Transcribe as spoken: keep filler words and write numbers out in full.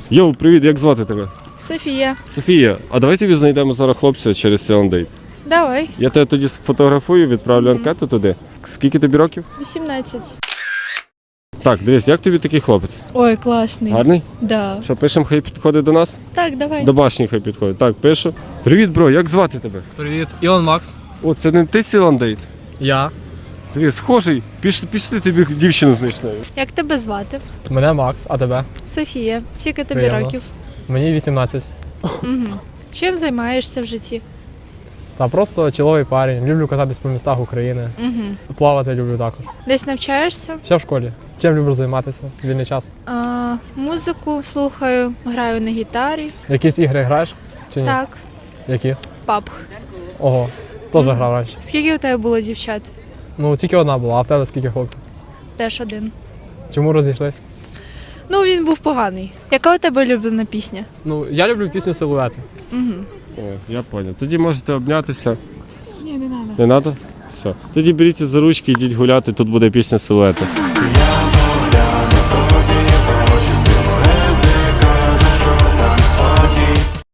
Йоу, привіт, як звати тебе? Софія. Софія, а давай тобі знайдемо зараз хлопця через Селендейт. Давай. Я тебе тоді сфотографую, відправлю анкету туди. Скільки тобі років? вісімнадцять. Так, дивись, як тобі такий хлопець? Ой, класний. Гарний? Да. Що, пишемо, хай підходить до нас? Так, давай. До башні хай підходить. Так, пишу. Привіт, бро, як звати тебе? Привіт, Ілон Макс. О, це не ти Селендейт? Я. Дивись, схожий. Пішли, пішли тобі дівчину знайшли. Як тебе звати? Мене Макс, а тебе? Софія. Скільки тобі Приємно. років? Мені вісімнадцять. Угу. Чим займаєшся в житті? Та просто чоловий парень. Люблю кататись по містах України. Угу. Плавати люблю також. Десь навчаєшся? Ще в школі. Чим люблю займатися? в Вільний час. А, музику слухаю, граю на гітарі. Якісь ігри граєш? Чи ні? Так, Які? пабг. Ого. Теж грав раніше. Скільки у тебе було дівчат? Ну, тільки одна була, а в тебе скільки хлопців? Теж один. Чому розійшлись? Ну, він був поганий. Яка у тебе улюблена пісня? Ну, я люблю пісню Силуети. Угу. О, я понял. Тоді можете обнятися. Ні, не треба. Не треба? Все. Тоді беріться за ручки, йдіть гуляти, тут буде пісня Силуети.